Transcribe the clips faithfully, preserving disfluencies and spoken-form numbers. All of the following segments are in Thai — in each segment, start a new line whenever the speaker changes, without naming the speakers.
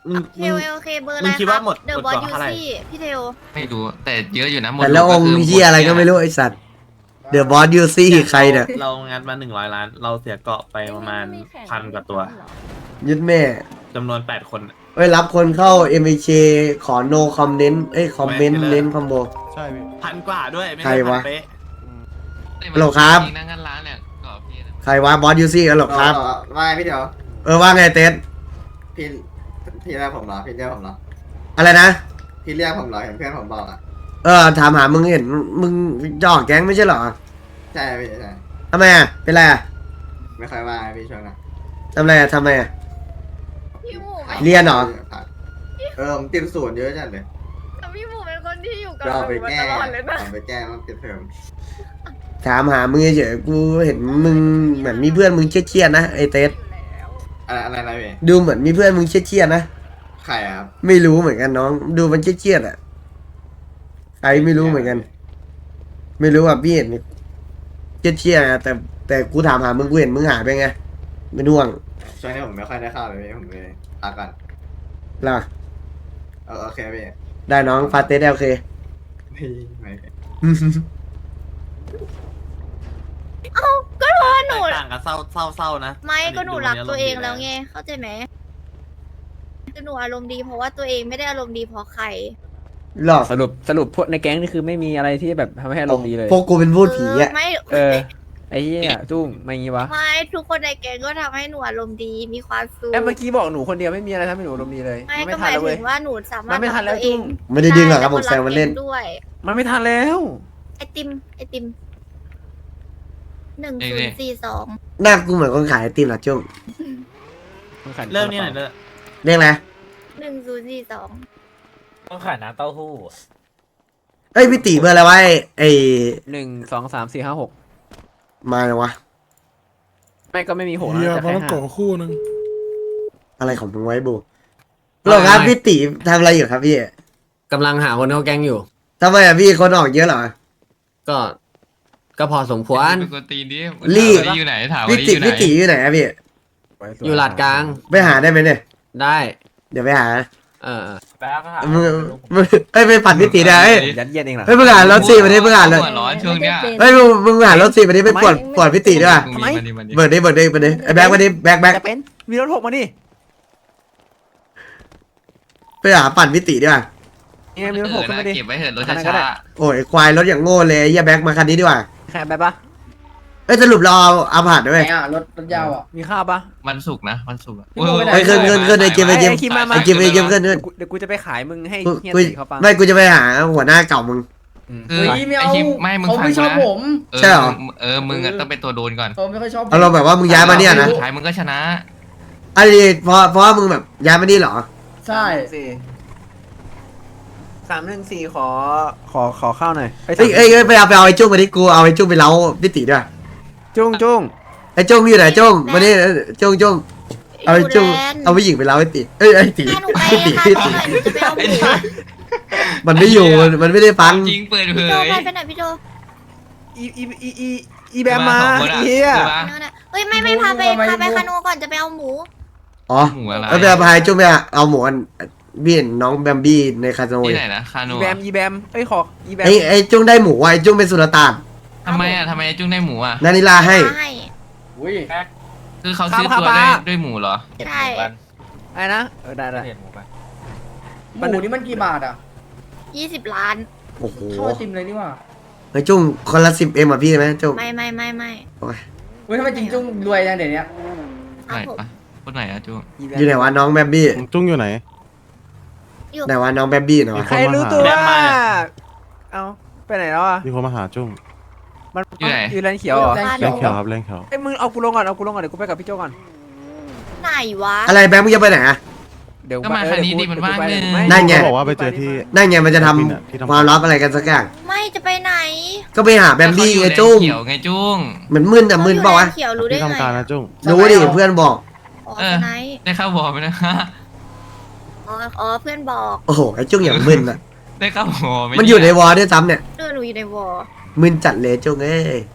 มึง
เทลโอเคเบอร์อะไร
มึงคิดว่าหมด
เดอะ
หม
บอ
ด
ส
ก่อน
ยู
เท่าไหร่
ซี่พี่เทล
ไม่รู้แต่เยอะอยู่นะหมด
แต่ละองค์เฮียอะไรก็ไม่รู้ไอสัตว์เดอะบอสยูซี่ใครเนี่ย
เรางัดมาหนึ่งร้อยล้าน เราเสียเกาะไปประมาณพันกว่าตัว
ยึดแม่
จำนวนแปดคน
เอ้ยรับคนเข้า เอ็ม ไอ เค ขอ no comment เอ้ย คอมเมนต์เน้นคอมโบ
ใช่พี่
พันกว่าด้วย ไม่
ใคร
ใช่พั
วะ
นเป๊ะ
ฮัลโหลครับ
จริงๆนะงั้นร้านเนี่ยก็พี่นะ
ใครวะบอสยูซี่กันหรอครับ
ว่าไงพี่เดี๋ยว
เออว่าไงเต้น
พี่พี่เรียกผมเหรอพี่เรียกผมเหรอ
อะไรนะ
พี่เรียกผมเหรอเห็นเพื่อนผมบอกอ่ะ
เออถามหามึงเห็นมึงจะออกแก๊งไม่ใช่เหรอ
ใช่พี่ใช่
ทำไมอ่ะเป็นไรอ่ะ
ไม่ค่อยว่าพี่ช่วงนั้น
ทำไรอ่ะทำไมอ่ะ
พี่หมู
เรียนเหรอ
เออผมติดศูนย์เยอะจัดเลย
แต่พี่หมูเป็นคนที่อยู่กับ
เรา
ห
ไป
นูมา
แก้
ตลอดเลยนะ
เราไปแก้มันปิดเทอม
ถามหามึงเฉยๆกูเห็นมึงเหมือนมีเพื่อนมึงเครียดๆนะไอเต้น
อะไรอะไรอะไรพี่
ดูเหมือนมีเพื่อนมึงเครียดๆนะ
ใครอะครับ
ไม่รู้เหมือนกันน้อง ดูมันเครียดๆอ่ะใครไม่รู้เหมือนกัน ไม่รู้อ่ะพี่เห็นเครียดๆนะแต่แต่กูถามหามึงกูเห็นมึงหายไปไงไม่น่วง
ช่วงนี้ผมไม่ค่อยได้เข้าเลยพี่ผมเลยพักก่อน
ล่ะ
เออโอเคพี่
ได้น้องฟาเต้โอเค
พี่ไม่
ก็เพราะว่าหนู
แตกต่างกันเศร้าเศร้าเศร้านะ
ไม่ก็หนูรักตัวเองแล้ว
ไง
ไงเข้าใจไหมคือหนูอารมณ์ดีเพราะว่าตัวเองไม่ได้อารมณ์ดีเพราะใคร
หรอ
สรุปสรุปพวกในแก๊งนี่คือไม่มีอะไรที่แบบทำให้อารมณ์ดีเลย
พวกกูเป็นพูดผีอ่ะ
เไม่
เออ ไอ้เหี้ยจุ้งไม่งี้วะ
ไม่ทุกคนในแก๊งก็ทำให้หนูอารมณ์ดีมีความสุข
แอบเมื่อกี้บอกหนูคนเดียวไม่มีอะไรทำให้หนูอารมณ์ดีเลย
ไม่
มัน
ก็
ไม่
ห
ทัน
มาย
แล้วเว้
ถึ
ย
งว่าหนูสามารถ
มันไม่ทันแล้ว
รักตัวเอง
จุ้ง
ไม่ได้ดึงหรอกครับผมแซวมันเล่น
ได้ด้วย
มันไม่ทันแล้ว
ไอติมไอติมหนึ่งศูนย์สี่สอง
หน้ากูเหมือนคนขายไอติมเหรอจุ้ง
เริ่มนี่หน่อยเด้อ
เรียกอะไร
หนึ่งศูนย์สี่สอง
ต้องขายน้ำเต้าหู้
เอ้ยพี่ตีเบอร์อะไรวะไอ้ไอ้
หนึ่งสองสามสี่ห้าหก
มาเลยวะ
ไม่ก็ไม่มีหก
เฮีย
นะแต่
พอ
แค่
ต้อง
ห้า
โกะคู่หนึง
อะไรของมึงไว้บูหรอครับพี่ตีทำอะไรอยู่ครับพี่
กำลังหาคนเข้าแก๊งอยู่
ทำไมอ่ะพี่คนออกเยอะเหรอ
ก็ ก็พอสมควร
เป็นคนตีนดิ
รีบ
ถามว่าอยู่ไหนถามว่า
พี่ตี
อยู่ไหน
พี่ตีอยู่ไหนอะพี่
อยู่หลาดกลาง
ไปหาได้ไหมเนี่ย
ได้
เดี๋ยวไปหา
เออเออ
แป๊บก็หา
มึงมึงเอ้ยไปปั่นพี่ตีได้เอ้ย
ยัดเยียดเองเหรอ
เฮ้ยมึงอ่านรถสี่มาดิมึงอ่านเลย
หัวร้อนช่วงเนี้ย
เฮ้ยมึงมึงอ่านรถสี่มาดิไปปวดปวดพี่ตีด้วย
มึงมีมันดิมันดิ
เบิร์ดดิเบิร์ดดิเบิร์ดดิไอ้แบ็คมาดิแบ็คแบ็ค
จะเป็นมีรถหกมาดิ
ไปหาปั่นพี่ตีด้วย
นี่ไงมีรถหกขึ้นมาดิ
เก็บไว้เถอะรถ
คันนั้นก็ได้
ช้า
โอ้ยควายรถอย่างโง่เลยไอ้เหี้ยแบ็คมาคันนี้ดีกว่า
แค่แบบปะ
เอ้ยสรุปเราเอาเอาผ่านด้วย
อ่ะรถรถยาวอ่ะ
มีข้าวปะ
ๆวันศุกร์นะวันศุกร์อะ
พี่โมไปไหน
เฮ้ยขึ้นขึ้นขึ้นไอ้เกมไอ้เกม
ไอ้คิมมามา
ไอ้เกมไอ้เกมขึ้นขึ้น
เดี๋ยวกูจะไปขายมึงให้
กู
เฮีย
กู
ตีเขาปัง
ไม่กูจะไปหาหัวหน้าเก่ามึง
คือไอ้คิมไม่มึงฟังกูนะเออ
ใช่เหรอ
เออมึงอะต้องเป็นตัวโดนก่อน
เขาไม่ค่อยชอบ
เอาเราแบบว่ามึงย้ายมาเนี่ยนะ
สุดท้ายมึงก็ชนะ
อันนี้เพราะเพราะว่ามึงแบบย้ายมานี่เหรอ
ใช่
สี่สามหนึ่งสี่ขอขอขอข้าวหน่อย
เอ้ยเอ้ยเอ้ยไปเอาไปเอาไอ้จุ้งมาดิกูเอาไอ้จุ้งไปเล้าพี่ตีด้วย
จุ้งจุ้ง
ไอ้จุ้งอยู่ไหนจุ้งมาดิจุ้งจุ้งเอาไอ้จุ้ง
อยู่แลนด์
เอาผู้หญิงไปเล้าไอ้ตีเอ้ยไอ้ตี
พาหนูไป
พี่ตี
ค่ะ
พี่
ตอ
ตี
นไหนหนูจะไปเอาหมู
มันไม่อยู่มันไม่ได้ฟัง
จริงเปิดเผ
พี่โจ
ย
ไปไปไหนพี่โจ
อีอีอีอีอีแบมมา
สองคนอะ
เฮีย
ใช่ปะ
นั่นน่ะเฮ้ยไม่ไม่พาไปพาไปคาโนก่อนจะไปเอาหมู
อ๋อ
หมูอะไร
แล้วไปเอาพายจุ้งไปเอาหมูอันพี่เห็นน้องแบมบี้ในคาสิโน
ที่ไหนนะคาโน
อีแบมอีแบมเอ้ยขออีแบม
ไอ้ไอ้จุ้งได้หมูว่ะไอ้จุ้งเป็นสุลต่าน
ทำไมอ่ะทำไมจุ้งได้หมูอ่ะ
นานิลาให้
ให้
อุ้ย
คือเขาซื้อตัวได้ด้วยหมูเหรอ
ใช่
อะไรนะเออได้ได้
เห็นหมูไป
หมูนี่มันกี่บาทอ่ะ
ยี่สิบล้าน
โอ้โห
เท่าไอติมเลยนี่ว่า
ไอ้จุ้งคนละสิบเอ็มอ่ะพี่ไหมจุ้ง
ไม่ไม่ไม่ไม่
โอ้ย
เว้ยทำไมจริงจุ้งรวยจังเดี๋ยวนี้
ครั
ไหน
บผม
ปะคนไหนอะจุ้ง
อีแบ
อยู่ไหน
ม
วะน้องแบมบี้
จุ้งอยู่ไหน
อยู่
ไหนวะน้องแบมบี้เนาะ
ใครรู้ตัว
แบมมา
เอาไปไหนแล้วอ่ะ
มีคนมาหาจุ้ง
มัน
อยู่ไหน
อยู่แลนเขียวเหรอ
แลน
แรงเขียวครับแรงเขียว
ไอ้ยมึงเอากูลงก่อนเอากูลงก่อนเดี๋ยวกูไปกับพี่โจก่อน
ไหนวะ
อะไรแบมมึงจะไปไหนอ่ะ
เดี๋ยว
ก็มาคันนี้ดิมันว่างเลย
นั่นไง
เขาบอกว่าไปเจอที่
นั่นไงมันจะท
ที่ทำ
ำความลับอะไรกันสักอย่าง
ไม่จะไปไหน
ก็ไปหาแบมบี้ไงจุ้ง
เขียวไงจุ้ง
เหมือนมึนอะมึนเปล่าวะ
เขียวรู้ได้
ที่
ไง
ทำการนะจุ้ง
รู้ดิเพื่อนบอก
อ๋อ
เออ
ไหน
ได้เข้าบอไหมนะ
อ๋ออ๋อเพื่อนบอก
โอ้โหไอ้จุ้งอย่างมึนอะ
ได้เข้าบอไหม
มันอยู่ในวอลด้วยซ้ำเนี่ย
เออหนูอยู่ในวอล
มึนจัดเลยจุ้งเอ้ย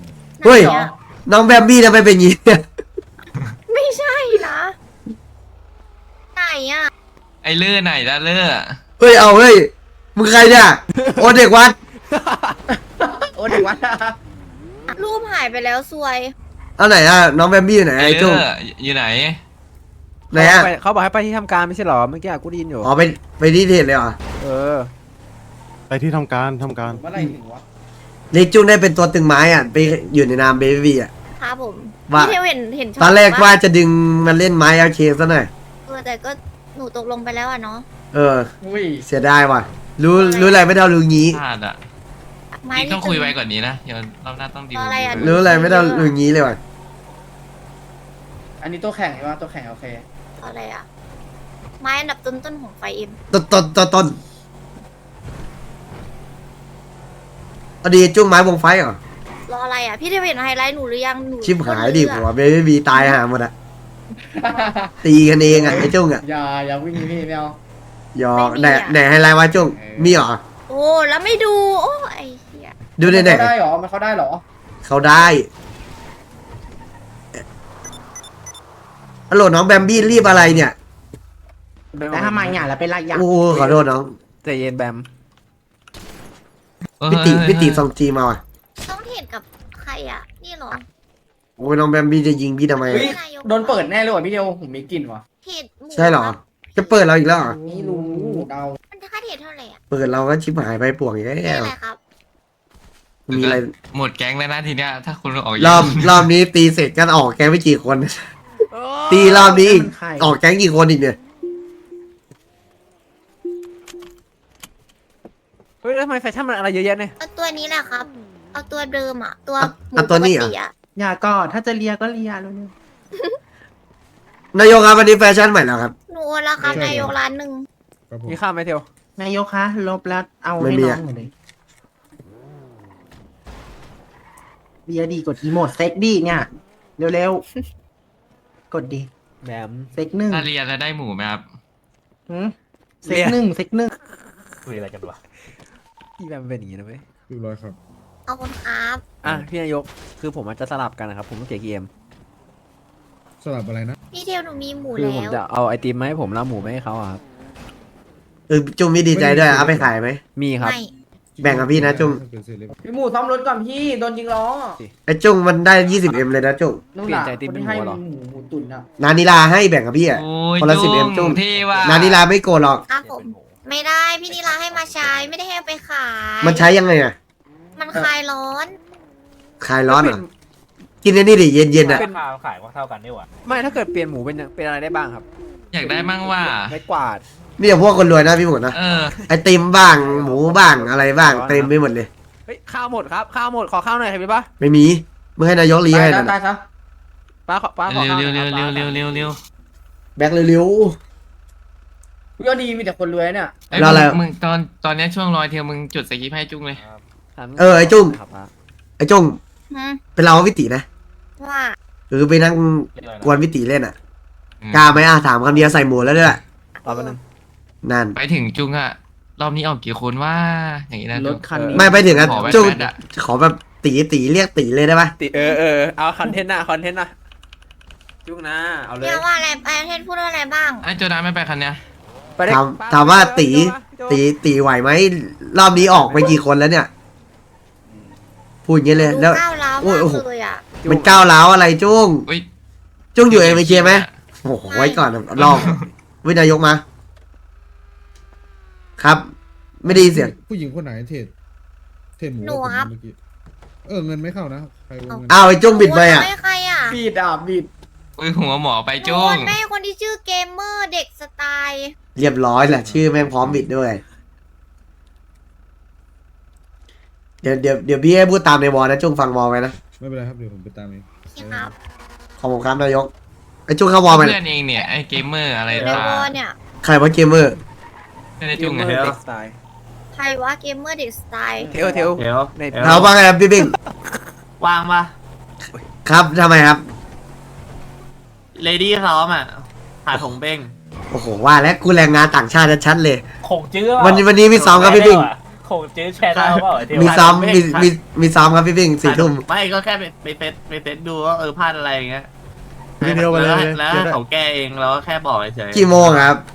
เฮ้ย
ไหนอะ
น้องแบมบี้ทำไมเป็นอย่างงี้เนี่ย
ไม่ใช่นะอ่ะ
ไอ้เลื่อไหนละเลื่อ
เฮ้ยเอาเฮ้ยมึงใครเนี่ยโอเด็กวัด
โอ้เด็กวัดอะ
รูปหายไปแล้วซวย
เอาไหนอ่ะน้องแบมบี้อยู่ไหน
ไอ้
ไอ้
เลื่
จุ้ง
ออยู่ไหน
ไหนอ่ะ
เขาบอกให้ไปที่ทำการไม่ใช่เหรอเมื่อกี้กูได้ยินอยู่
อ๋อไปไปที่เทรดเลยเหรอ
เออ ไปที่ทำการทำการ
เมื่อไหรถึงวะ
เล็กจุ้งได้เป็นตัวตึงไม้อ่ะไปอยู่ในนามเบบี้อ่ะ
ครับผม
ว่า
พี่เทวเห็นเห็นช็
ตอนแรก
ปะ
ว่าจะดึงมันเล่นไม้เอลเคซะหน่อย
เออแต่ก็หนูตกลงไปแล้วอ่ะเนาะ
เออ
อุ้ย
เสียดายว่ะ รู้รู้อะไรไม่ได้รู้งี้
พลาดอ่ะ
ไม้
นี่ต้อง
จะ
คุยไว้ก่อนนี้นะเดี๋ยวรอบหน้าต้องดีล
อะไรอะ
รู้อะไรไม่ได้รู้งี้เลยว่ะ
อันนี้ตัวแข่งใช่ปะตัวแข่งโอเค
อะไรอ่ะไม้อันดับต้นๆของไฟเอ็ม
ต้นต้นต้นต้นเอาดีจุ้งไม้วงไฟเหรอ
รออะไรอ่ะพี่เทวเห็นไฮไลท์หนูหรือยังหนู
ชิบหายดิ
คน
หั
เรือ
วเบบี้ตายหาหมดอ่ะตีกันเองอ่ะไอ้จุ้งอ่ะ
อย่าอย่าวิ่งพี่ไม่เอา
ยอไหนไหนให้ไลน์ว่าจุ้งมีเหรอ
โอ้แล้วไม่ดูโอ้ไอ้เหี้ย
ดูได้ไหน
มันเข้าได้เหรอมันเข้าได้เหรอ
เขาได้ฮัลโหลน้องแบมบี้รีบอะไรเนี่ย
แล้วทำไมเนี่ยแล้วเป็นไรยัง
โอ้ขอโทษน้อง
ใจเย็นแบม
พี่ติพี่ติส่งจีมาว่ะ
ต้องเทรดกับใครอ่ะนี่เหรอ
โอ้ยน้องแบมบี้จะยิงพี่ทำไม
เฮ้ยโดนเปิดแน่เลยว่ะพี่เดียวผมมีกลิ่นว่ะ
เทรดมู
ใช่เหรอ
ครับ
จะเปิดเราอีกแล้วเหรอ
ไม่รู้เดา
มันค่าเทรดเท่าไหร่อ่ะ
เปิดเราก็ชิบหายไปป่วงอีกแล้
นี่
ว
อะไรครับ
มีอะไร
หมดแก๊งแล้วนะทีเนี้ยถ้าคุณออก
รอบรอบนี้ตีเสร็จกันออกแก๊งไปกี่คน ตีรอบนี้อีกออกแก๊งกี่คนอีกเนี่ย
เฮ้ยแล้วทำไมแฟชั่นมันอะไรเยอะแยะเนี่ย
เอาตัวนี้แหละครับ เอาตัวเดิมอ่ะ ตัว
เอา
หมู
เอาตัวนี้เหรอ
ปกอ่ะ
อย่าก่อนถ้าจะเลียก็เลียแล้วเนี่ย
นายกครับวันนี้แฟชั่นใหม่แล้วครับ
หนูโอนแล้วครับนายกร้านหนึ่ง
มีข้าวไหมเทียวน
ายกคะลบแล้วเอา
ไม่
ให้
มี
น้อ
อะ
งหน่อยเลยเลียดีกดอีโมดเซ็กดีเนี่ยเร็วๆกดดี
แบม
เซ็กหนึ่ง
ถ้าเรียนแล้วได้หมูไหมครับ
หืมเซ็กหนึ่งเซ็กหนึ่ง
คุยอะไรกันวะพี่แบมเป็นอย่างนี้นะเว้ย
เอาคนครับ
อ่ะพี่นายกคือผมอาจจะสลับกันนะครับผมต้องเกียร์เกม
พี่เทวหนูมีหมู
คือ
แล้
ผม
ว
จะเอาไอติมมาให้ผมแล้วหมูไม่ให้เขาอะครับ
เออจุ้งมีดีใจด้วยเอาไปขายไหม
มีครับ
ไม่
แบ่งกับพี่นะจุ้ง
พี่หมูซ่อมรถก่อนพี่โดนยิงล้อ
ไอ้จุ้งมันได้ยี่สิบเอ็มเลยนะจุ้ง
นู่นน่ะคนที่ให้หมูหมูตุ๋นอ่ะ
นานิลาให้แบ่งกับพี่อ่ะ
โอ้ย
คนละสิบเอ็มจุ้
จุ้
ง
งที่ว่า
นานิลาไม่โกรธหรอก
ครับผม ไม่ได้พี่นิลาให้มาใช้ไม่ได้ให้เอาไปขาย
มันใช้ยังไงอ่ะ
มันคลายร้อน
คลายร้อนเหรอกินไอ้นี่ดิเย็นเย็นๆอ่ะ
เป็นขายว่าเท่ากันนี่หว่าไม่ถ้าเกิดเปลี่ยนหมูเป็นเป็นอะไรได้บ้างครับ
อยากได้มั่งว่า
ไม่กวาด
นี่อย่างพวกคนรวยนะพี่หมดนะ
เออ
ไอติมบ้างหมูบ้างอะไรบ้างเต็มไปหมดเลย
เฮ้ยข้าวหมดครับข้าวหมดขอข้าวหน่อยครับพี่ป้า
ไม่มีมึงให้นายกรี
ตาย
ให้
ซะ
นั่น
ตาย
น่ะ
ซะ
ป้าขอป้าขอ
เร็ว
ข้าวห
เร็
น่
ว
อย
เร็ว
ครับ
เร็วเร็วเร็วเร็ว
แบกเร็ว
พี่ก็ดีมีแต่คนรวยเนี่ย
ไอ้ย
แล้วอะไร
มึงมึงตอนตอนเนี้ยช่วงรอยเทียวมึงจุดสกิปให้จุ้งเลย
เออไอ้จุ้ง
ครับป้า
ๆไอ้จุ้ง
หืม
เป็นเราวิตินะ
ว่า
หรือไปนั่งกวนวิติเล่นอ่ะ
อืม
กล้าไหมอ่ะถามคำเดียวใส่หมูแล้วด้วย
รอแป๊บนึง
นั่น
ไปถึงจุ้งอะรอบนี้ออกกี่คนว่าอย่างนี้นะ
ร
จุ้
ถ
ง
คันนี้
ไม่ไปถึงอ่ะ
ขอแบท
จุ้ง
แบทอะ
ขอแบบตีตีเรียกตีเลยได้ปะ
ติเออเออเอาคอนเทนต์นะคอนเทนต์นะจุ้งนะเอาเลย
เนี่ยว่าอะไรไอเทนพูดว่าอะไรบ้าง
ไอ้โจดาไม่ไปคันเนี้ย
ไปได้
ถาม
ป้
ถามว่าตี
โจ
ตีตีไหวไหมรอบนี้ออกไปกี่คนแล้วเนี่ย พูดอย่างนี้เลย
ดู
แล้ว
ก้าวร้าว
โอ้
มาย ก
โอ้โห
เลยอ่ะ
มันก้าวร้าวอะไรจุ้ง
อุ้ย
จุ้งอยู่เองไปเคลียร์ไหมโอ้โหไว้ก่อนลองวินายกมา ครับ ไม่ได้ยินเสียง
ผู้หญิงคนไหนเทรดเทรดหมู
หนูครับ
เมื่อกี้เออเงินไม่เข้านะใครโอนเงิน
อ้าวไอ้จุ้งบิดไปอ่ะ
โนให้ใครอ่ะ
บีดอ่ะบีด
อุ้ยหัวหมอไป
โด
จุ้ง
นแม่คนที่ชื่อเกมเมอร์เด็กสไตล์
เรียบร้อยแหละชื่อแม่งพร้อมบิดด้วย เดี๋ยวเดี๋ยวเดี๋ยวพี่ให้พูดตามในวอลนะจุ้งฟังวอลไว้นะ
ไม่เป็นไรครับเดี๋ยวผมไปตามเอง
พี่ครับ
ขอบคุณครับนายกไอ้จุ้งเข้าวอลไป
เพื่อนเองเนี่ยไอ้เกมเมอร์อะไร
อยู่ใน
ตาว
อเนี่ย
ใครว่าเกมเมอร์
ไม่ได้
เก
จุ้
ม
ง
เมอ
ไง
ร์เด็กสไตล์
ใครว่าเกมเมอร์เด็กสไตล์
เทวเทว
เดี๋ยว
ใน
เดี๋ยว
เขาว่าไงครับพี่บิ๊ก
ว่างปะ
ครับทำไมครับ
เลดี้ซ้อมอ่ะหาถงเบ้ง
โอ้โหว่าแล้วกูแรงงานต่างชาติชัดๆเลย
คงจื้อ
วันนี้วันนี้มีซ้อมครับพี่บิ๊ก
คงจื้อแชร์ดาวเปล่าเทว
มีซ้อมมีมีมีซ้อมครับพี่บิ๊กสี่ทุ่ม
ไม่ก็แค่ไปไปเซตไปเซตดูว่าเออพลาดอะไรอย่างเงี้ย
เดี๋ยวไปเลย
แล้ว
เดี๋ยวได้
เขาแก้เองเราก็แค่บอกเฉยๆ
กี่โมงครับ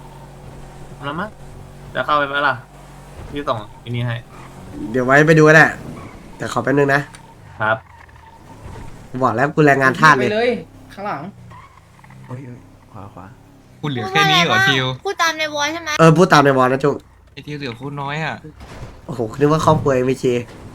แล้วมั้งจะเข้าไปไหมล่ะพี่ส่งอันนี้ให้
เดี๋ยวไว้ไปดูก็ได้แต่ขอแป๊บนึงนะครับ บอกแล้วกูแรงงานทาส
ไป
เลย
เลย ข้างหลัง
โอ้ยขวาขวา
คุณเหลือแค่นี้เหรอทิว
พูดตามในวอยใช่ไหม
เออพูดตามในวอลนะจุ๊
ไอทิวเหลือโคตรน้อยอ่ะ
โอ้โหนึกว่าครอบครัวเอ็มเค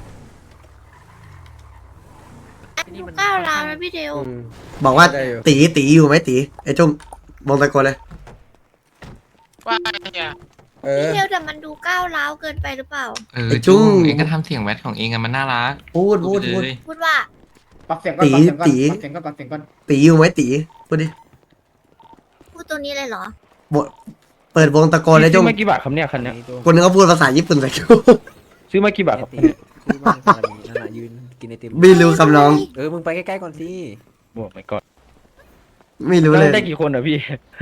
ดูก้าวร้าวนะพี่เดว
บอกว่าตีตีอยู่ไหมตีไอ้จุ้งมองตะโกนเลย
ว่าเนี่ยเออ
พี่เดวแต่มันดูก้าวร้าวเกินไปหรือเปล่า
เออจุ้งเองก็ทำเสียงแวดของเองอะมันน่ารัก
พูดพูดพูด
เลย
พูดว่า
ปรับเสียงก่อน
ตี
ปรับเสียงก่อน
ตี
ปรับเสียงก่อนปรับเสียงก่อน
ตีอยู่ไหมตีพูดดิ
พูดตัวนี้เลยเหรอ
บเปิดวงตะโกนเลยจุ้ง
ซื้อมากี่บาทครับเนี่ยคันเนี้ย
คนนึงเขาพูดภาษาญี่ปุ่นใส่กู
ซื้อมากี่บาทครับ
ตีพูดว่าในกรณีนั่นน่ะยืนกินไอติม
ไม่รู้คำน้อง
เออมึงไปใกล้ๆก่อนสิ
บอกไปก่อน
ไม่รู้เลย
ได้กี่คนอ่ะพี่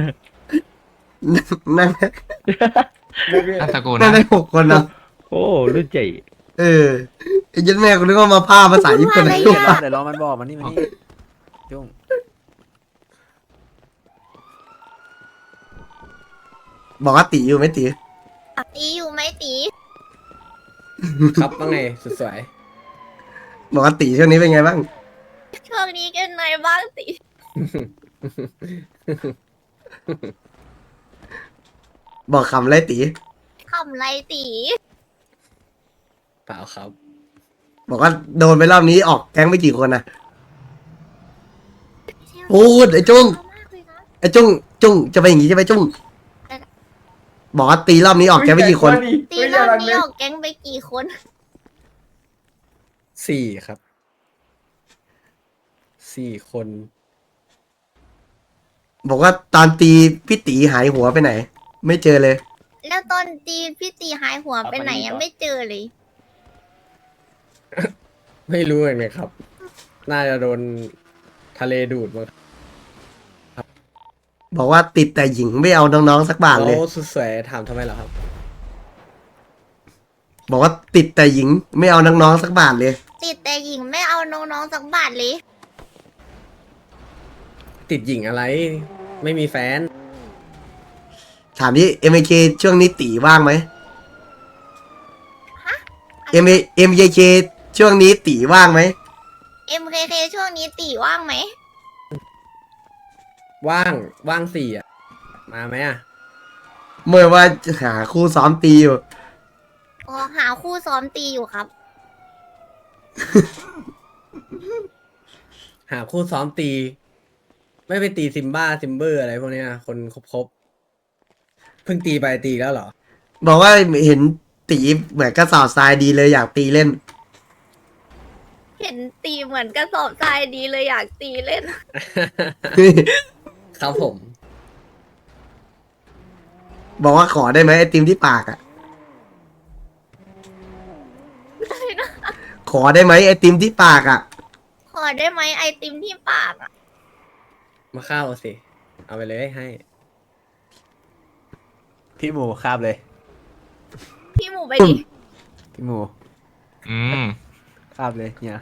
นั่ง
อัตะโกน
นั่ง
นะ
ได้หกคนนะ
โอ้รุ่นใหญ่
เออไอ้ยันแม่กูนึกว่ามาพาภาษาญี่ปุ่น
พูด
ให้
ว่า
กู
อะไร
ฟัง
เดี๋ยวรอมันบอกมันนี่มันนี่จุ้ง
บอกว่าตีอยู่ไหมตี
ตีอยู่ไหมตี
ครับว่าไงสุดสวย
บอกว่าตีช่วงนี้เป็นไงบ้าง
ช่วงนี้กันไหนบ้างตี
บอกคำไรตี
ทำไรตี
เปล่าครับ
บอกว่าโดนไปรอบนี้ออกแก๊งไปกี่คนนะพูดไอ้จุ้ง
มากเลยนะ
ไอ้จุ้งจุ้งจะไปอย่างงี้ใช่ไหมจุ้งบอกว่าตีรอบนี้ออกแก๊งไปกี่คน
ตีรอบนี้ออกแก๊งไปกี่คน
สี่ครับสี่คน
บอกว่าตอนตีพี่ตีหายหัวไปไหน ไม่เจอเลย
แล้วตอนตีพี่ตีหายหัวไปไหนยังไม่เจอเลย
ไม่รู้เลยครับ น่าจะโดนทะเลดูดมั้ง
บอกว่าติดแต่หญิงไม่เอาน้องๆสักบาทเลย
โอ้สุดสวยถามทำไมเหรอครับ
บอกว่าติดแต่หญิงไม่เอาน้องๆสักบาทเลย
ติดแต่หญิงไม่เอาน้องๆสักบาทเลย
ติดหญิงอะไร ไม่มีแฟน
ถามที่เอ็มเคช่วงนี้ตีว่างไหมเอ็มเอ็มเคช่วงนี้ตีว่างไหม
เอ็มเคเคช่วงนี้ตีว่างไหม
ว่างว่างสี่อ่ะ มาไหมอ่ะ
เมื่อว่าหาคู่ซ้อมตีอยู่
อ๋อหาคู่ซ้อมตีอยู่ครับ
หาคู่ซ้อมตี ไม่ไปตีซิมบ้าซิมเบอร์อะไรพวกเนี้ยคนครบครบๆเพิ่งตีไปตีแล้วเหรอ
บอกว่าเห็นตีเหมือนกระสอบทรายดีเลยอยากตีเล่น
เห็นตีเหมือนกระสอบทรายดีเลยอยากตีเล่น
ครับผม
บอกว่าขอได้ไหมไอติมที่ปากอ่ะ ขอได้ไหมไอติมที่ปากอ่ะ
ขอได้ไหมไอติมที่ปากอะ
มาเข้าสิ เอาไปเลยให้พี่หมูคาบเลย
พี่หมูไปดิ
พี่หมู
อืม
คาบเลยเนี่ย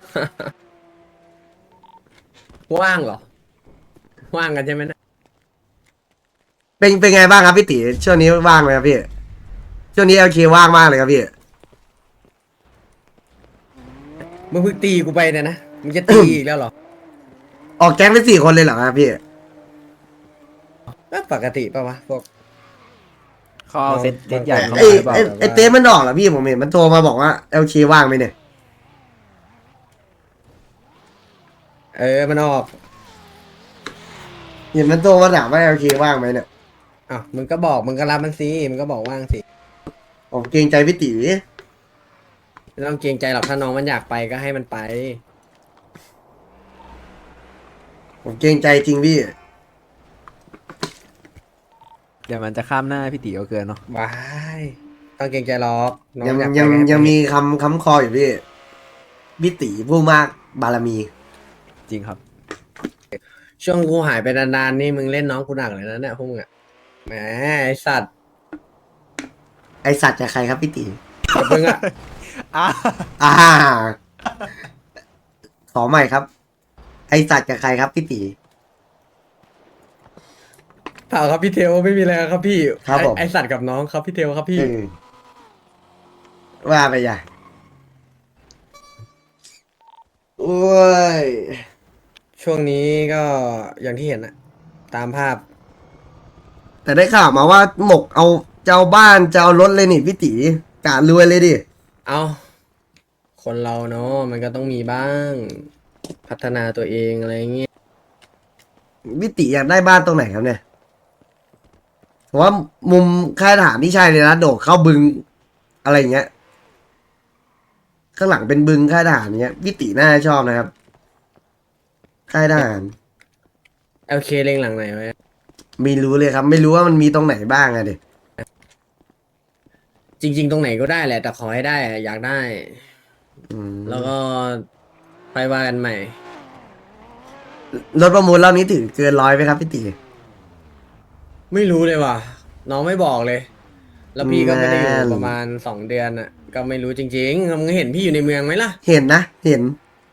ว่างเหรอ ว่างกันใช่ไหมนะ
เป็นเป็นไงบ้างครับพี่ตีช่วงนี้ว่างไหมครับพี่ ช่วงนี้เอลเคว่างมากเลยครับพี่
มึงเพิ่งตีกูไปเนี่ยนะ มึงจะตีอีกแล้วเหรอ
ออกแก๊งไปสี่คนเลยเหรอครับพี่
ก็ปกติป่าวะพวกเขาเอาเซตเซตใหญ่เข้า
ไอ
มาหรือเปล่า
ไอไอเต้มันออกเหรอพี่ผมเห็นมันโทรมาบอกว่าเอลเคว่างไหมเนี่ย
เออ มันออก
เห็นมันโทรมาถามว่าเอลเคว่างไหมเนี่ย
อ้าวมึงก็บอก มึงก็รับมันสิ มึงก็บอกว่างสิ
ผมเกรงใจพี่ตี
ไม่ต้องเกรงใจหรอกถ้าน้องมันอยากไปก็ให้มันไป
ผมเกรงใจจริงพี่
เดี๋ยวมันจะข้ามหน้าพี่ตีเอาเกินเนาะว้ายต้องเกรงใจหรอกน้อ
ยัง
อยากไป
ยัง
ก็ให้ไป
ยังมีคำคำคออยู่พี่พี่ตีผู้มากบารมี
จริงครับ ช่วงกูหายไปนานๆนี่มึงเล่นน้องกูหนักเลยนะเนี่ยพวกมึงอะแหมไอสัตว์
ไอสัตว์จะใครครับพี่ตี
กับมึงอะ
อ่า ขอใหม่ครับ ไอสัตว์กับใครครับพี่ตี
เปล่าครับพี่เทลไม่มีอะไรครับพี่
ครับผม
ไอไอสัตว์กับน้องครับพี่เทลครับพี่
เออว่าไปอย่าโอ้ย
ช่วงนี้ก็อย่างที่เห็นอะตามภาพ
แต่ได้ข่าวมาว่าหมกเอาจะเอาบ้านจะเอารถเลยนี่พี่ตีกะรวยเลยดิ
เอาคนเราเนาะมันก็ต้องมีบ้าง พัฒนาตัวเองอะไรเงี้ย
พี่ตีอยากได้บ้านตรงไหนครับเนี่ยผมว่ามุมค่ายทหารนี่ใช่เลยนะโดดเข้าบึงอะไรอย่างเงี้ย ข้างหลังเป็นบึงค่ายทหารเงี้ยพี่ตีน่าจะชอบนะครับ ค่ายทหาร
โอเคเล็งหลังไหนไว้
ไม่รู้เลยครับ ไม่รู้ว่ามันมีตรงไหนบ้างอะเด็
จริง ๆ ตรงไหนก็ได้แหละแต่ขอให้ได้อะอยากได้ แล้วก็ไปว่ากันใหม่
รถประมูลรอบนี้ถึงเกินร้อยไหมครับพี่ตี
ไม่รู้เลยว่ะ น้องไม่บอกเลย แล้วพี่ก็ไม่ได้อยู่
นั่น
ประมาณสองเดือนอ่ะ ก็ไม่รู้จริงๆมึงเห็นพี่อยู่ในเมืองไหมล่ะ
เห็นนะ เห็น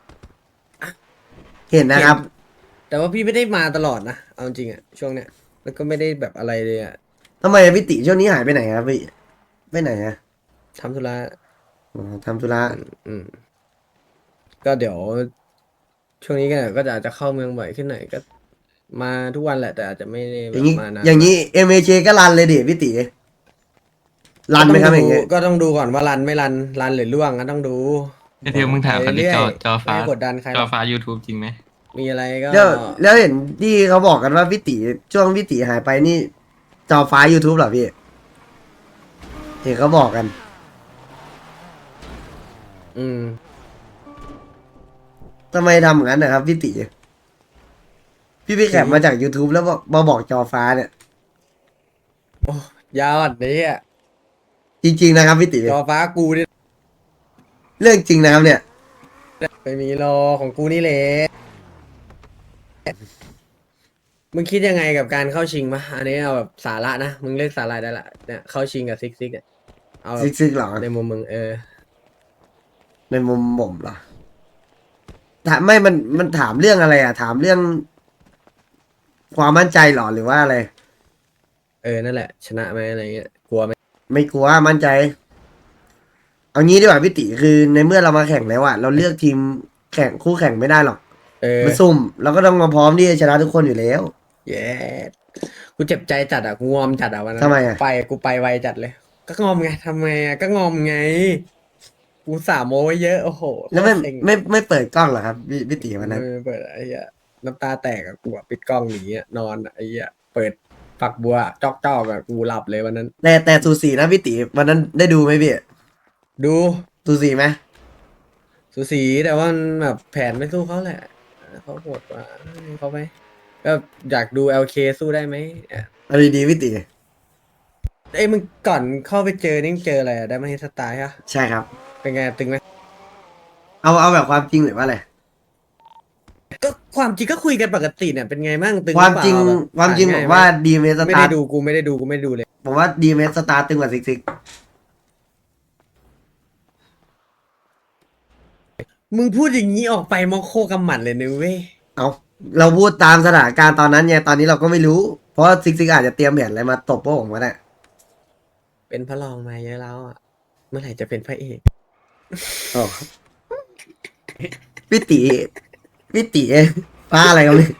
เห็นนะครับ
แต่ว่าพี่ไม่ได้มาตลอดนะเอาจริงอ่ะช่วงเนี้ยแล้วก็ไม่ได้แบบอะไรเลยอ่ะ
ทำไมพี่ติช่วงนี้หายไปไหนครับพี่ไปไหนอะ
ทำธุระ
อ๋อทำธุระ
อืม ก็เดี๋ยว ช่วงนี้ก็ก็จะอาจจะเข้าเมืองบ่อยขึ้นหน่อยก็ มาทุกวันแหละ แต่อาจจะไม่ได้แบ
อบ ย่างนี้
มานะ
อย่างนี้เอ็มเอเก็รันเลยดิพี่ติรันไหมครับอย่างเงี้ย
ก็ต้องดูก่อนว่ารันไม่รันรันหรือล่วงก็ต้องดู
ไอเทลมึงถามคันนี้จอจอฟ้า
ไม่กดดันใครห
จ
ร
อ
อก
ฟ้า YouTube จริงไหม
มีอะไรก็
แล้วแล้วเห็นที่เขาบอกกันว่าพี่ติช่วงพี่ติหายไปนี่จอฟ้า YouTube เหรอพี่เห็นเขาบอกกัน
อืม
ทำไมทำอย่างนั้นนะครับพี่ติพี่ไปแคปมาจาก YouTube แล้วบอกมาบอกจอฟ้าเนี่ย
โอ้ยาวอันนี้อ่ะ
จริงๆนะครับพี่ติ
จอฟ้ากูนี่
เรื่องจริงนะครับเนี่ย
ไม่มีรอของกูนี่แหละมึงคิดยังไงกับการเข้าชิงมะอันนี้เอาแบบสาระนะมึงเลือกสาระได้ละเนี่ยเข้าชิงกับซิกซิกเนี่ยเอาแบบ
ซิกซิกเหรอ
ในมุมมึงเออ
ในมุมผมเหรอถามไม่มันมันถามเรื่องอะไรอ่ะ ถามเรื่อง ความมั่นใจเหรอหรือว่าอะไร
เออนั่นแหละ ชนะไหมอะไรเงี้ยกลัวไหม
ไม่กลัวมั่นใจ เอางี้ดีกว่าพี่ติคือในเมื่อเรามาแข่งแล้วอะเราเลือกทีมแข่งคู่แข่งไม่ได้หรอก
เออ
มาซุ่มเราก็ต้องมาพร้อมที่จะชนะทุกคนอยู่แล้ว
เย้กูเจ็บใจจัดอ่ะกูงอมจัดอ่ะวันนั้น
ทำไมอะ
ไปกูไปไวจัดเลย ก็งอมไงทำไมอ่ะก็งอมไง กูสาโมไว้เยอะโอ้โห
แล้วไม่
โคตรเซ็ง
ไม่ไม่เปิดกล้องเหรอครับพี่พี่ติวันนั้น
เออเปิดไอ้เหี้ยน้ำตาแตกอะกูอะปิดกล้องหนีอะนอนอะไอ้เหี้ยเปิดฝักบัวจอกจอกอะกูหลับเลยวันนั้น
แต่แต่สูสีนะพี่ติวันนั้นได้ดูไหมพี่
ดู
สูสีไหม
สูสีแต่ว่ามันแบบแผนไม่สู้เขาแหละเขาโหดกว่าให้เขาไปก็อยากดู แอล เค สู้ได้ไหมอ่ะ
เอาดีๆพี่ติ
เอ้ยมึงก่อนเข้าไปเจอนี่มึงเจออะไรอะได้มาเฮดสไตล์ฮะ
ใช่ครับ
เป็นไงตึงไหม
เอาเอาแบบความจริงหรือว่าอะไร
ก็ความจริงก็คุยกันปกติเนี่ยเป็นไงบ้างตึง
ความจริง
หอเปล่แบบ
ความจริงผ
ผ่น
ม
ยไห
ว่าดีเมส
ไม่
ตา
ได้
ร์
ดูกูไม่ได้ดูกูไม่ได้ดูเลย
ผมว่าดีเมสตาร์ตึงกว่าซิกซิก
มึงพูดอย่างนี้ออกไปมอโคกำหมัดเลยนะเว้ย
เอาเราพูดตามสถานการณ์ตอนนั้นไงตอนนี้เราก็ไม่รู้ เพราะว่าซิกซิกอาจจะเตรียมแผนอะไรมาตบพวกผมก็ได้
เป็นพระรองมาเยอะแล้วอ่ะ เมื่อไหร่จะเป็นพระเอก
โอ้พี่ตีพี่ตีป้าอะไรกันเลย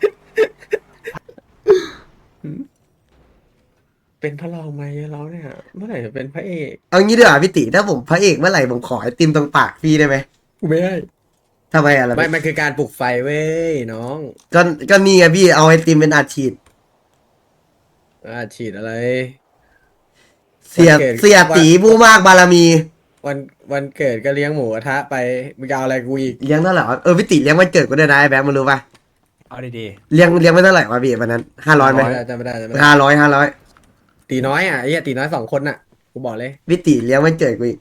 เป็นพระรองมาเยอะแล้วเนี่ย เมื่อไหร่จะเป็นพระเอก
เอางี้ดีกว่าพี่ตีถ้าผมพระเอกเมื่อไหร่ผมขอไอติมตรงปากพี่ได้ไหม
กูไม่ได้
ทำไมอะล่ะ
ไม่ มันคือการปลุกไฟเว้ยน้อง
ก็ก็นี่ไงพี่เอาไอติมเป็นอาชีพ
อ่าฉีดอะไร
เสีย
วันเกิด
เสียตีผู้มากบารมี
วันวันเกิดก็เลี้ยงหมูกระทะไปมึงจะเอาอะไรกูอีก
เลี้ยงเท่าไหร่วะเออพี่ตีเลี้ยงวันเกิดกูได้วยนะไอ้แบงค์มึงรู้ปะ
เอาดี
เลี้ยงเลี้ยงไม่เท่าไหร่วะพี่วันนั้นห้าร้อยไหม
จำไม่ได้จำไม่ได้
ห้าร้อยห้าร้อย
ตีน้อยอ่ะไอ้เหี้ยตีน้อยสองคนน่ะ กูบอกเลย
พี่ตีเลี้ยงวันเกิดกูอีก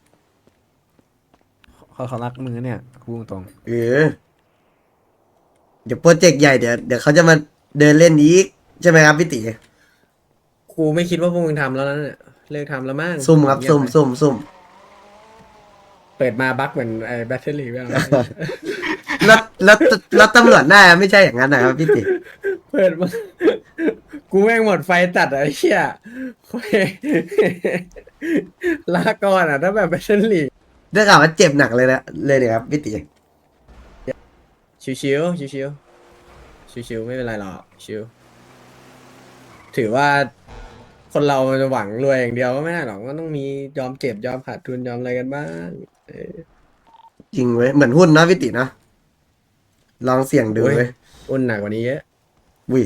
ๆเขาเขารักมึงนะเนี่ยพูดตรง
เออเดี๋ยวโปรเจกต์ใหญ่เดี๋ยวเดี๋ยวเขาจะมาเดินเล่นอีกใช่ไหมครับพี่ตี
กูไม่คิดว่าพวกมึงทำแล้วนะเนี่ยเลิกทำแล้วมั้ง
ซุ่มครับซุ่มซุ่มซุ่ม
เปิดมาบั๊กเหมือนไอ้แบตเตอรี่ แล้ว
แล้วแล้วแล้วตำรวจหน้าไม่ใช่อย่างนั้นนะครับพี่ติ
เปิดมา กูแม่งหมดไฟตัดอะไอ้เหี้ยโอ้ย ลาก่อนอ่ะถ้าแบบเป็นเชนลีก
ได้ข่าวว่าเจ็บหนักเลยนะเลยเนี่ยครับพี่ตี
ชิวชิวชิวชิวชิวชิวๆไม่เป็นไรหรอกชิวถือว่าคนเรามันจะหวังรวยอย่างเดียวก็ไม่ได้หรอกก็ต้องมียอมเจ็บยอมขาดทุนยอมอะไรกันบ้างเออ
จริงเว้ยเหมือนหุ้นนะพี่ตีนะลองเสี่ยงดู
โอ้ย
เว้ย
อุ่นหนักกว่านี้เยอะ
วิ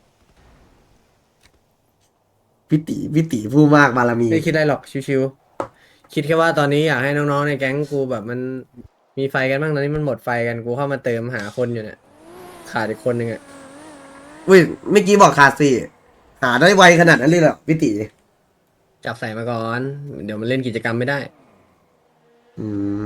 พี่ตีพี่ตีผู้มากบารมี
ไม่คิดได้หรอกชิวๆคิดแค่ว่าตอนนี้อยากให้น้องๆในแก๊งกูแบบมันมีไฟกันบ้างตอนนี้มันหมดไฟกันกูเข้ามาเติมหาคนอยู่เนี่ยขาดอีกคนหนึ่งอ่ะ
วิเมื่อกี้บอกขาดสี่หาได้ไวขนาดนั้นเลยเหรอพี่ตี
จับใส่มาก่อน เดี๋ยวมันเล่นกิจกรรมไม่ได้
อืม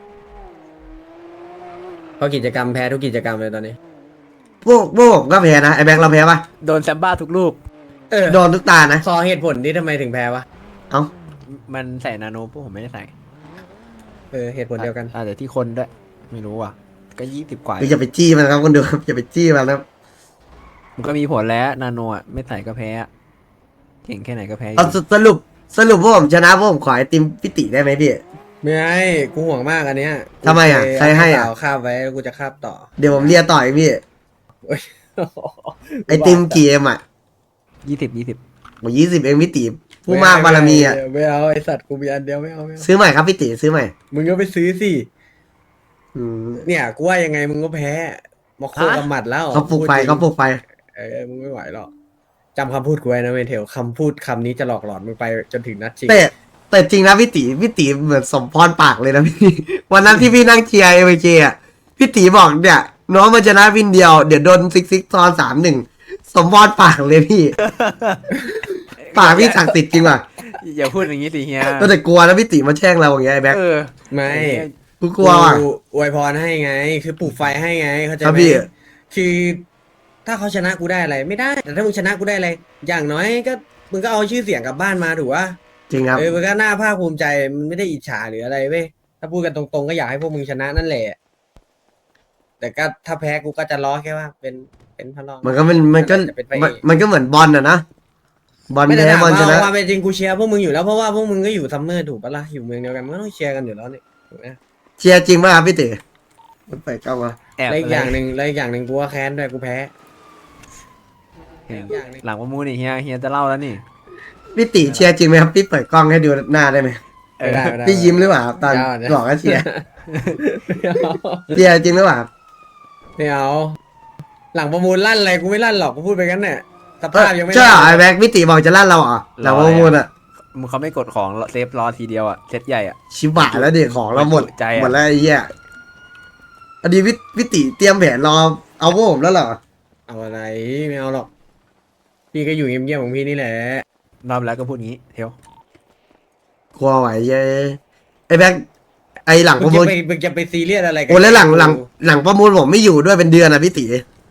เพราะกิจกรรมแพ้ทุกกิจกรรมเลยตอนนี้
พวกพวกผมก็แพ้นะไอ้แบงค์เราแพ้ปะ
โดนแซมบ้าทุกลูก
เออ
โดนทุกตานะ
ขอเหตุผลที่ทำไมถึงแพ้วะ
เอ้า
มันใส่นาโนพวกผมไม่ได้ใส่
เออเหตุผลเดียวกัน
อาจจะที่คนด้วย ไม่รู้ว่ะ ก็ยี่สิบกว่า
คืออย่าไปจี้มันครับคนดูครับอย่าไปจี้มันนะครับ
มันก็มีผลแล้วนาโนอ่ะไม่ใส่ก็แพ้อะเก่งแค่ไหนก็แพ้อยู่
เอาสสรุปสรุปพวกผมชนะพวกผมขอไอติมพี่ตีได้ไหมพี่
ไม่ให้กูห่วงมากอันเนี้ย
ทำไมอ่ะใครให้อ่ะ
เาคาบไว้แล้วกูจะคาบต่อ
เดี๋ยวผมเรียต่อเองพี่
โอ้ย
ไอติมกี่เอ็มอ่ะ
ยี่สิบยี่สิบ
โอ้ยี่สิบเองพี่ตีผู้มากบารมีอ่ะ
ไม่เอาไอสัตว์กูมีอันเดียวไม่เอาไม่เอา
ซื้อใหม่ครับพี่ตีซื้อใหม่
มึงก็ไปซื้อสิ
อืม
เนี่ยกูว่ายังไงมึงก็แพ้มาโคกับหมัดแล้ว
เขาปลุกไฟเขาปลุกไฟ
เออมึงไม่ไหวหรอกจำคำพูดกูไว้นะเมเทลคำพูดคำนี้จะหลอกหลอนมึงไปจนถึงนัดชิง
แต่แต่จริงนะพี่ตีพี่ตีเหมือนสมพรปากเลยนะพี่ วันนั้นที่พี่นั่งเชียร์เอเวเอ่ะพี่ตีบอกเนี่ยน้องมันชนะวินเดียวเดี๋ยวโดนซิกซิกตอนสามหนึ่งสมพรปากเลยพี่ ปากพี่ศักดิ์สิทธิ์จริงว่ะ
อย่าพูดอย่างนี้สิเฮีย
แต่กลัวนะพี่ตีมาแช่งเราอย่างเงี้ยไอ้แบ็ค
เออ
ไม่
กูกลัวว่ะ
กูอวยพรให้ไง คือปลุกไฟให้ไงเข้าใจ
ครับ
ไหม
พี่
คือถ้าเขาชนะกูได้อะไรไม่ได้ แต่ถ้ามึงชนะกูได้อะไรอย่างน้อยก็มึงก็เอาชื่อเสียงกลับบ้านมาถูกปะ
จริงครับ
เออมันก็น่าภาคภูมิใจมันไม่ได้อิจฉาหรืออะไรเว้ยถ้าพูดกันตรงๆก็อยากให้พวกมึงชนะนั่นแหละแต่ก็ถ้าแพ้กูก็จะล้อแค่ว่า เป็นเป็นพลัง
มันก็มันมันก็
จะเป็นไป
มันมันก็เหมือนบอลนะนะบอล
ไม่ได้
แพ้
ถาม
บอลชนะ
ว่าความเป็นจริงกูเชียร์พวกมึงอยู่แล้วเพราะว่าพวกมึงก็อยู่ซัมเมอร์ถูกปะล่ะอยู่เมืองเดียวกันมันก็ต้องเชียร์กันอยู่แล้วนี่ถูกไหม
เชียร์จริงป่ะครับพี่ตีมันไปเข้ามา
แอบ
แล้วอีกอย่าง
ะไร
หนึ่งแล้วอีกอย่างหนึ่งกูว่าแค้นด้วยกูแพ้
เห็น
อีกอย่างหนึ่ง
หลังประมูลนี่เฮียเฮียจะเล่าแล้วนี่
พี่ตีเชียร์จริงไหมครับพี่เปิดกล้องให้ดูหน้าได้ไหม
ไม่ได้ไม่ได้
พี่ยิ้มหรือเปล่าครับตอน
ไม่เอา
บอกว่าเชียร์
ไม่เอา
เชียร์จริงหรือเปล่าครับ
ไม่เอาหลังประมูลลั่นอะไรกูไม่ลั่นหรอกกูพูดไปกันเนี่ยสภาพยังไม่
ใช่เหรอ
ลั่น
ไอ้แบ็คพี่ตีบอกจะลั่นเราเหรอหลังประมูลอ่ะ
มึงเขาไม่กดของเซฟรอทีเดียวอ่ะเซตใหญ่อ่ะ
ชิบะแล้วเด็กของเราหมด
ใจอะ
หมดแล้วไอ้เหี้ยอันนี้พี่พี่ตีเตรียมแผนรอเอาพวกผมแล้วเหรอ
เอาอะไรไม่เอาหรอกพี่ก็อยู่เงียบๆของพี่นี่แหละ
รอบแล้วก็พูดงี้เทว
กลัวไหวเย้ไอ้แบ็คไอ้หลัง
มึ
ป
ง
ระมู
จะ
ล
ไปมึงจะไปซีเรียสอะไรกั
โอ้แล้วหลังหลังหลังประมูลผมไม่อยู่ด้วยเป็นเดือนอ่ะพี่ตี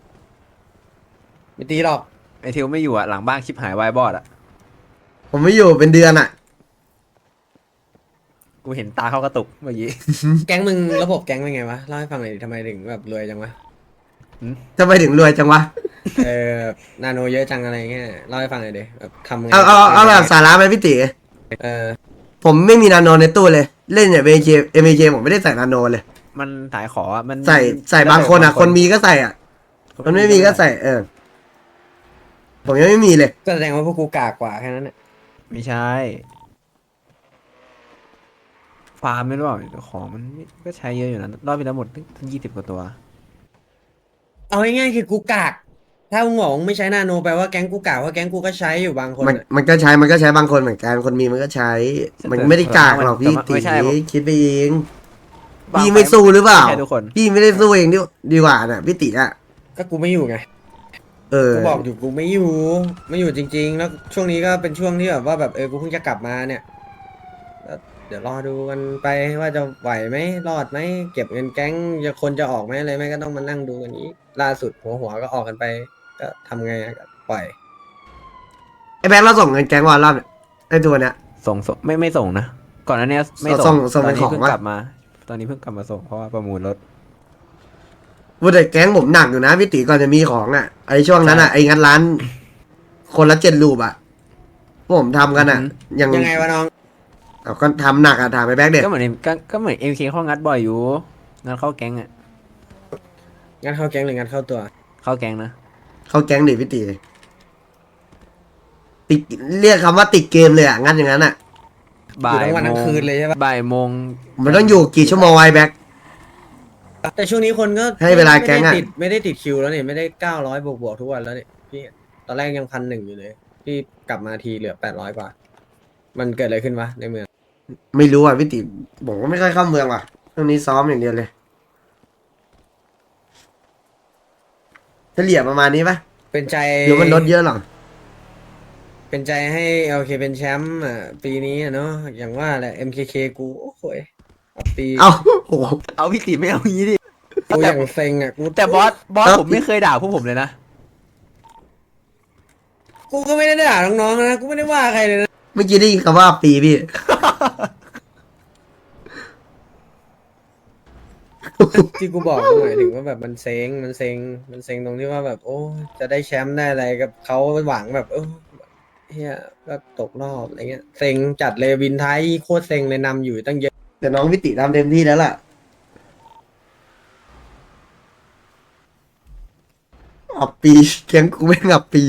ไม่ตีหรอก
ไอเทวไม่อยู่อ่ะหลังบ้านชิบหายวายบอดอ่ะ
ผมไม่อยู่เป็นเดือนอ่ะ
กูเห็นตาเขากระตุกเมื่อกี้
แก๊งมึงระบบแก๊งเป็นไงวะเล่าให้ฟังหน่อยดิทำไมถึงแบบรวยจังวะ
ทำไมถึงรวยจังวะ
เออนาโนเยอะจังอะไรเงี้ยเล่าให้ฟังหน่อยดิแบบทำไง
เอาเอาเอาแบบสาระไหมพี่ตี
เออ
ผมไม่มีนาโนในตู้เลย เล่นเนี่ยเอเจเอเจผมไม่ได้ใส่นาโนเลย
มันถ่ายขออะมัน
ใส่ใส่บางคนอ่ะ คนมีก็ใส่อ่ะ คนไม่มีก็ใส่ เออ ผมยังไม่มีเลย
ก็แสดงว่าพวกกูกากกว่าแค่นั้นแหละ
ไม่ใช่ ฟาร์มไม่รู้เปล่าของมันก็ใช้เยอะอยู่นะรอบไปแล้วหมดทั้งยี่สิบกว่าตัว
เอาง่ายๆคือกูกาก ถ้ามึงบอกมึงไม่ใช้นาโนแปลว่าแก๊งกูกากว่าแก๊งกูก็ใช้อยู่บางคน
มัน
อะ
มันก็ใช้ มันก็ใช้บางคนเหมือนกัน คนมีมันก็ใช้ มันไม่ได้กากหรอกพี่ตีคิดไปเอง พี่ไม่สู้หรือเปล่า
ไม่ใช่ทุกคน
พี่ไม่ได้สู้เองดีดีกว่าน่ะพี่ตีอ่ะ
ก็กูไม่อยู่ไง
เออ
กูบอกอยู่กูไม่อยู่ ไม่อยู่จริง ๆ แล้วช่วงนี้ก็เป็นช่วงที่แบบว่าแบบเออกูเพิ่งจะกลับมาเนี่ยแล้วเดี๋ยวรอดูกันไปว่าจะไหวไหมรอดไหมเก็บเงินแก๊งจะคนจะออกไหมอะไรไหมก็ต้องมานั่งดูกันนี้ ล่าสุดหัวหัวก็ออกกันไป ก็ทำไงอะก็ปล่อย
ไอ้แบงค์เราส่งเงินแก๊งวันรอบเนี่ยไอ้ตัวเนี้ย
ส่งส่งไม่ไม่ส่งนะ ก่อนหน้านี้ไม่
ส่
ส่
ง
ง
ส่ง
ตอนนี้
เป็นของ
เพิ่ง
วะ
กลับมา ตอนนี้เพิ่งกลับมาส่งเพราะว่าประมูลรถ
ว่าแต่แก๊งผมหนักอยู่นะพี่ตีก่อนจะมีของอ่ะไอช่วงนั้นอ่ะไองัดร้าน คนละเจ็ดรูปอ่ะพวกผมทำกันอ่ะ ยัง
ยังไงวะน้อง
เอาก็ทำหนักอ่ะถามไปแบ็คเด็ก
ก็เหมือนก็ก็เหมือนเอ็มเคเขางัดบ่อยอยู่งัดเข้าแก๊งอ่ะ
งั้นเข้าแก๊งหรืองั้นเข้าตัว
เข้าแก๊งนะ
เข้าแก๊งดิพี่ตีติดเรียกคำว่าติดเกมเลยอ่ะงั้นอย่างนั้นอ่ะ
บ่า
อยู่
ย
ทั้งวัน
โม
ทั้ง
ง
คืนเลยใช่ปะ
บ่ายโมง
มันต้องอยู่กี่ชั่วโมงไว้แบ็ค
แต่ช่วงนี้คนก็
ให้เวลาแก๊งอะ
ไม่ได้ติดไม่ได้ติดคิวแล้วนี่ไม่ได้เก้าร้อยบวกบวกทุกวันแล้วนี่พี่ตอนแรกยังพันหนึ่งอยู่เลยพี่กลับมาทีเหลือแปดร้อยกว่า มันเกิดอะไรขึ้นวะในเมือง
ไม่รู้อ่ะพี่ติบอกว่าไม่ค่อยเข้าเมืองว่ะช่วงนี้ซ้อมอย่างเดียวเลยเฉลี่ยประมาณนี้ปะ
เป็นใจ
หรือมันลดเยอะหรอ
เป็นใจให้โอเคเป็นแชมป์อ่ะปีนี้อะเนาะอย่างว่าแหละ เอ็ม เค เค กูโอ้โหยเอาปี
เอ้าโอ้โห
เอาพี่ตีไม่เอางี้ดิ
กูอย่างเซ็งอ่ะกู
แต่บอสบอส
เอ้า
ผมไม่เคยด่าพวกผมเลยนะ
กูก็ไม่ได้ด่าน้องๆนะกูไม่ได้ว่าใครเลยนะ
เมื่อกี้ได้ยินคำว่าปีพี่
ที่กูบอกก็หมายถึงว่าแบบมันเซ็งมันเซ็งมันเซ็งตรงที่ว่าแบบ โอ้จะได้แชมป์ได้อะไรกับเขาหวังแบบเออเฮียก็ตกรอบอะไรเงี้ยเซ็งจัดเลยวินไทยโคตรเซ็งเลยนำอยู่ตั้งเยอะ
แต่น้องพี่ติทำเต็มที่แล้วล่ะอับปีแก๊งกูไม่งับปี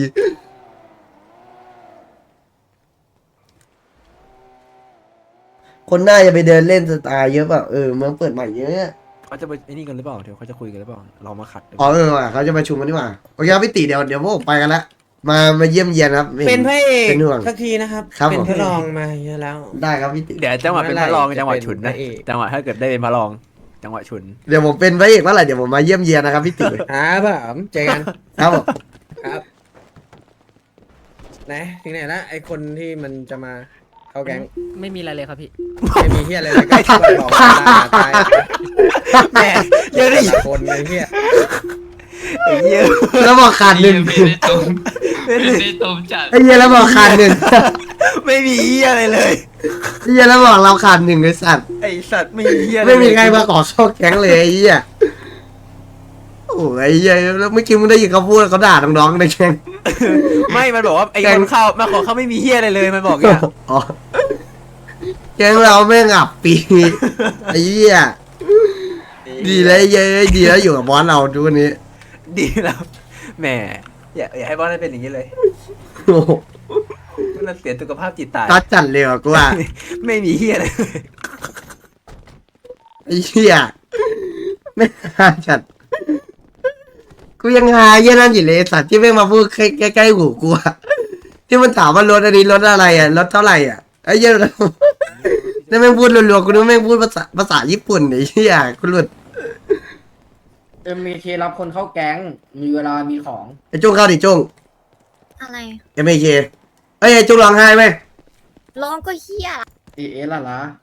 คนหน้าจะไปเดินเล่นสตาร์เยอะเปล่าเออเมืองเปิดใหม่เยอะ
เขาจะไปไอ้นี่กันหรือเปล่าเดี๋ยวเขาจะคุยกันหรือเปล่าเรามาขัดหรือเป
อ๋อ
ล่า
เออว่ะเขาจะประชุมกันดีกว่าโอเคครับพี่ติเดี๋ยวเดี๋ยวพวกผมไปกันละมามาเยี่ยมเยียนครับไม่
เป็นพระเอก
เป็นห่วง
สักทีนะครับ
ครับ
เป็น
ผม
พระรองมาเยอะแล้ว
ได้ครับพี่ติ
เดี๋ยวจังหวะเป็นพระรอง
เมื่อไหร่
จังหวะ
จะเป็น
ฉุนนะ
พระเอก
จังหวะถ้าเกิดได้เป็นพระรอง จังหวะฉุน
เดี๋ยวผมเป็นพระเอกเมื่อไหร่เดี๋ยวผมมาเยี่ยมเยียนนะครับพี่ติ
ครับผมเจอกัน
ครับผม
ครับไหนถึงไหนละไอคนที่มันจะมาเข้าแก๊ง
ไม่มีอะไรเลยครับพี่
ไม่มีเฮียอะไรเลยก็ช่วยบอกว่าตาย
แหมเยอะดิ
แต่ละคนไอเฮีย
ไอ้เหี้ย
แล้วบอกขาดหนึ่ง
ไม่ได้ตมไม่ได้ตมจัด
ไอ้เหี้ยแล้วบอกขาดหนึ่ง
ไม่มีเหี้ยอะไรเลย
ไอ้เหี้ยแล้วบอกเราขาดหนึ่งไอ้สัตว์
ไอ้สัตว์ไม่มีเหี้ยอะร
ไม่มี
เลย
ใครมาขอเข้าแก๊งเลยไอ้เหี้ยโอ้ยไอ้เหี้ยแล้วเมื่อกี้มึงได้ยินเขาพูดเขาด่าน้องๆในแก๊ง
ไม่มันบอกว่าไอ้
แกง
คนเข้ามาขอเขาไม่มีเหี้ยอะไรเลยมันบอกอย่างเงี้ย
อ๋อแก๊งเราแม่งอับปีไอ้เหี้ยดีแล้วไอ้เหี้ยดีแล้วอยู่กับบอสเราทุกวันนี้
ดีแล้วแหมอย่าอย่าให้บอสได้เป็นอย่างนี้เลย
โอ้โห
มันเสียสุขภาพจิตตาย
ตัดจัดเลยว่ะกูว่า
ไม่มีเหี้ยอะไรเลย
ไอ้เหี้ยไม่หาจัดกูยังหาเหี้ยนั่นอยู่เลยไอ้สัตว์ที่แม่งมาพูดใกล้ใกล้ๆหูกูอะที่มันถามว่ารถอันนี้รถอะไรอ่ะรถเท่าไหร่อ่ะไอ้เหี้ยนั่นแม่งพูดรัวๆกูนึกว่าแม่งพูดภาษาภาษาญี่ปุ่นไอ้เหี้ยกูหลุด
เอ็มมีเครับคนเข้าแก๊ง มีเวลามีของ
ไอ้จุ้งเข้าดิจุ้ง
อะไร
เอ็มไอเคเอ้ยไอ้จุ้งร้องไห้ไหม
ร้องก็เฮีย
เอเอสละละ